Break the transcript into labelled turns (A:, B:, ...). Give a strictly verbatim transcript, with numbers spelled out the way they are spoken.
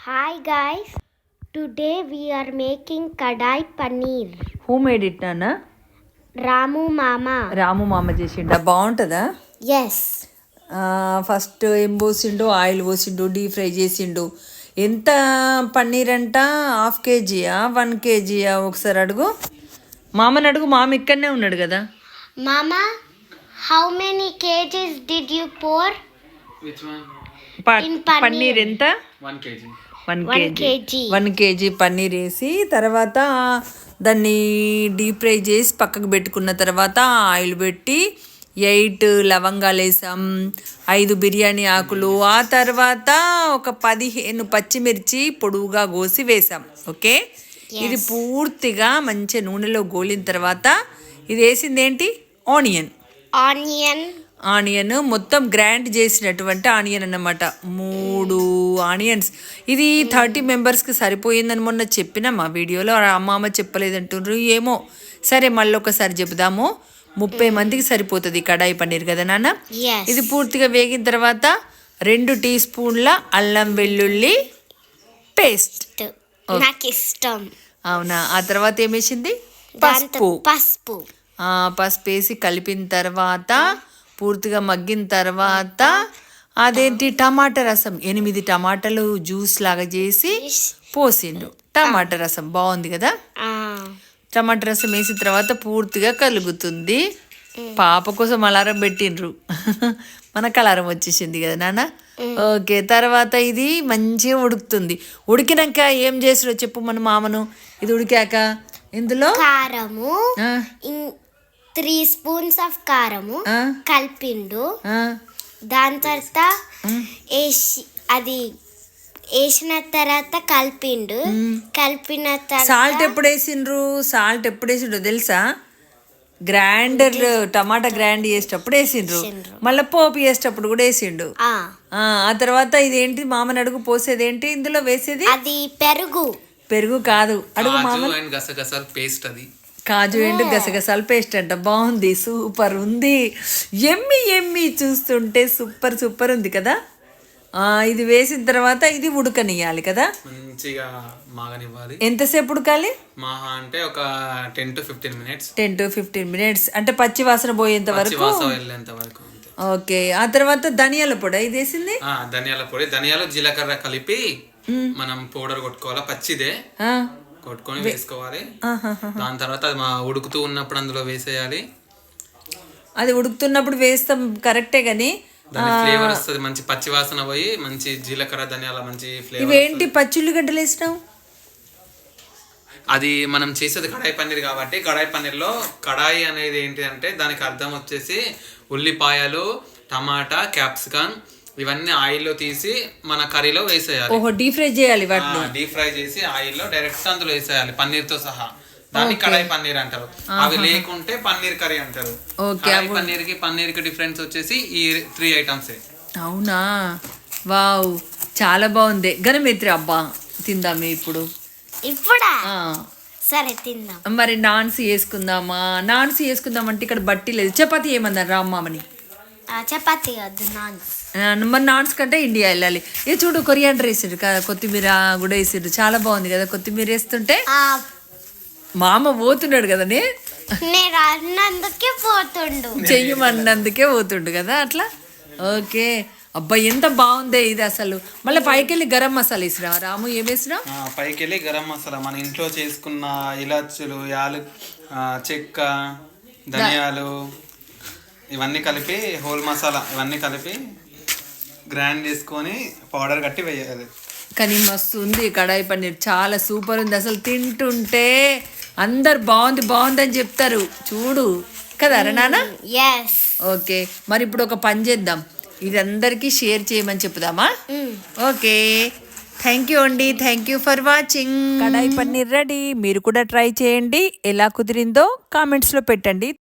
A: Hi guys, today we are making kadai paneer.
B: Who made it, Nana?
A: Ramu Mama.
B: రాము మామ చేసిండా? బాగుంటుందా?
A: Yes.
B: First ఏం పోసిండు, oil పోసిండు, డీప్ ఫ్రై చేసిండు. ఎంత పన్నీర్ అంట? హాఫ్ కేజీయా వన్ కేజీయా? ఒకసారి అడుగు మామని, అడుగు. మామ ఇక్కడనే ఉన్నాడు కదా.
A: Mama, how many kgs did you pour?
C: Which one?
A: In paneer.
B: Paneer ఎంత?
C: One kg.
B: One
A: One
B: KG
A: kg.
B: One KG paneer వేసి తర్వాత దాన్ని డీప్ ఫ్రై చేసి పక్కకు పెట్టుకున్న తర్వాత ఆయిల్ పెట్టి ఎయిట్ లవంగాలు వేసాం, ఐదు బిర్యానీ ఆకులు, ఆ తర్వాత ఒక పదిహేను పచ్చిమిర్చి పొడువుగా కోసి వేసాం. ఓకే, ఇది పూర్తిగా మంచి నూనెలో గోలిన తర్వాత ఇది వేసింది ఏంటి? ఆనియన్.
A: Onion.
B: ఆనియన్ మొత్తం గ్రైండ్ చేసినటువంటి ఆనియన్ అన్నమాట. మూడు ఆనియన్స్. ఇది థర్టీ మెంబర్స్కి సరిపోయిందని మొన్న చెప్పినా మా వీడియోలో. అమ్మ చెప్పలేదంటున్నారు ఏమో. సరే మళ్ళీ ఒకసారి చెబుదాము. ముప్పై మందికి సరిపోతుంది కడాయి పన్నీర్ కదా నాన్న.
A: Yes.
B: ఇది పూర్తిగా వేగిన తర్వాత రెండు టీ స్పూన్ల అల్లం వెల్లుల్లి పేస్ట్.
A: నాకు ఇష్టం.
B: అవునా? ఆ తర్వాత ఏమేసింది?
A: దాంతో
B: పసుపు.
A: పసుపు.
B: ఆ, పసుపు వేసి కలిపిన తర్వాత పూర్తిగా మగ్గిన తర్వాత అదేంటి టమాటా రసం, ఎనిమిది టమాటాలు జ్యూస్ లాగా చేసి పోసిండు. టమాటా రసం బాగుంది కదా.
A: ఆ,
B: టమాటా రసం వేసిన తర్వాత పూర్తిగా కలుగుతుంది. పాప కోసం అలారం పెట్టిండ్రు. మనకు అలారం వచ్చేసింది కదా నాన్న. ఓకే, తర్వాత ఇది మంచిగా ఉడుకుతుంది. ఉడికినాక ఏం చేసాడో చెప్పు మన మామను. ఇది ఉడికాక ఇందులో
A: కారము,
B: ఆ,
A: త్రీ స్పూన్స్ ఆఫ్ కారము
B: ఆ,
A: కలిపిండు.
B: ఆ,
A: దాని తర్వాత వేసి అది వేసిన తర్వాత కలిపిండు. కలిపిన
B: సాల్ట్
A: తర్వాత
B: ఎప్పుడు వేసిండ్రు? సాల్ట్ ఎప్పుడు వేసిండ్రు తెలుసా? గ్రైండర్ టమాటా గ్రైండ్ చేసేటప్పుడు వేసిండ్రు, మళ్ళీ పోపు వేసేటప్పుడు కూడా వేసిండు.
A: ఆ,
B: ఆ ఆ తర్వాత ఇదేంటి మామని అడుగు. పోసేది ఏంటి ఇందులో? వేసేది
A: అది పెరుగు.
B: పెరుగు కాదు, అడుగు మామ.
C: కాజు అండ్ గసగసాల పేస్ట్ అది.
B: కాజు ఎండు గసగసాల పేస్ట్ అంట. బాగుంది, సూపర్ ఉంది. ఎమ్మి ఎమ్మి చూస్తుంటే సూపర్ సూపర్ ఉంది కదా. ఆ, ఇది వేసిన తర్వాత ఇది ఉడకనియాలి కదా.
C: మంచిగా మాగనివ్వాలి.
B: ఎంతసేపు ఉడకాలి?
C: మహా అంటే ఒక ten to fifteen minutes.
B: Ten to fifteen minutes అంటే పచ్చి వాసన పోయేంత వరకు.
C: వాసన వెళ్ళేంత వరకు అంతే.
B: ఓకే, ఆ తర్వాత ధనియాల పొడి ఇది వేసింది.
C: ఆ, ధనియాల పొడి, ధనియాలు జీలకర్ర కలిపి మనం పౌడర్ కొట్టుకోవాలి. పచ్చిదే
B: ఆ,
C: కొట్టుకొని వేసుకోవాలి.
B: ఆహాహా.
C: దాని తర్వాత అది మా ఉడుకుతూ ఉన్నప్పుడు అందులో వేసేయాలి.
B: అది ఉడుకుతున్నప్పుడు వేస్తాం కరెక్టే కానీ
C: దాని ఫ్లేవర్ వస్తుంది, మంచి పచ్చి వాసన పోయి మంచి జీలకర్ర ధనియాల మంచి ఫ్లేవర్.
B: ఇవేంటి పచ్చిల్లిగడ్డలు వేసినావు?
C: అది మనం చేసేది కడాయి పన్నీర్ కాబట్టి, కడాయి పన్నీర్లో కడాయి అనేది ఏంటి అంటే దానికి అర్థం వచ్చేసి ఉల్లిపాయలు, టమాటా, క్యాప్సికమ్ ఇవన్నీ ఆయిల్లో తీసి మన కర్రీలో వేసేయాలి.
B: ఓహో, డీప్ ఫ్రై చేయాలి వాటిని.
C: డీప్ ఫ్రై చేసి ఆయిల్లో డైరెక్ట్ అందులో వేసేయాలి పన్నీర్ తో సహా. దాన్ని కడాయి పన్నీర్ అంటారు. అవి లేకుంటే పన్నీర్ కర్రీ అంటారు. కడాయి పన్నీర్ కి పన్నీర్ కి డిఫరెన్స్ వచ్చేసి ఈ త్రీ ఐటమ్స్.
B: అవునా? వావ్, చాలా బాగుంది. గనమిత్రి అబ్బా తిందామే ఇప్పుడు.
A: ఇప్పుడా?
B: ఆ,
A: సరే తిందాం.
B: మరి నాన్స్ వేసుకుందామా? నాన్స్ వేసుకుందాం అంటే ఇక్కడ బట్టి లేదు. చపాతీ ఏమన్నారు రామ్మని?
A: ఆ, చపాతీ వద్దు, నాన్.
B: మరి నాన్స్ కంటే ఇండియా వెళ్ళాలి. ఏ చూడు, కొరియాండర్ వేసిండ్రు కదా, కొత్తిమీర కూడా వేసిండ్రు. చాలా బాగుంది కదా కొత్తిమీర వేస్తుంటే.
A: ఆ,
B: మామ పోతున్నాడు కదా, నే
A: నేను అన్నందుకే పోతుండు.
B: చెయ్యమన్నందుకే పోతుండు కదా అట్లా. ఓకే, అబ్బా ఎంత బాగుందే ఇది అసలు. మళ్ళీ పైకి వెళ్ళి గరం మసాలా వేసినావా రాము? ఏం వేసినావు?
C: పైకి వెళ్ళి గరం మసాలా మన ఇంట్లో చేసుకున్న ఇలాచులు, యాలు, చెక్క, ధనియాలు ఇవన్నీ కలిపి, హోల్ మసాలా ఇవన్నీ కలిపి గ్రైండ్ చేసుకొని పౌడర్ కట్టి వేయాలి.
B: కానీ మస్తు ఉంది కడాయి పన్నీర్, చాలా సూపర్ ఉంది అసలు. తింటుంటే అందరు బాగుంది బాగుంది అని చెప్తారు చూడు కదా నాన్న.
A: ఎస్.
B: ఓకే, మరి ఇప్పుడు ఒక పని చేద్దాం, ఇది అందరికీ షేర్ చేయమని చెప్దామా? ఓకే, థ్యాంక్ యూ అండి, thank you for watching. Kadai paneer ready. మీరు కూడా ట్రై చేయండి. ఎలా కుదిరిందో కామెంట్స్లో పెట్టండి.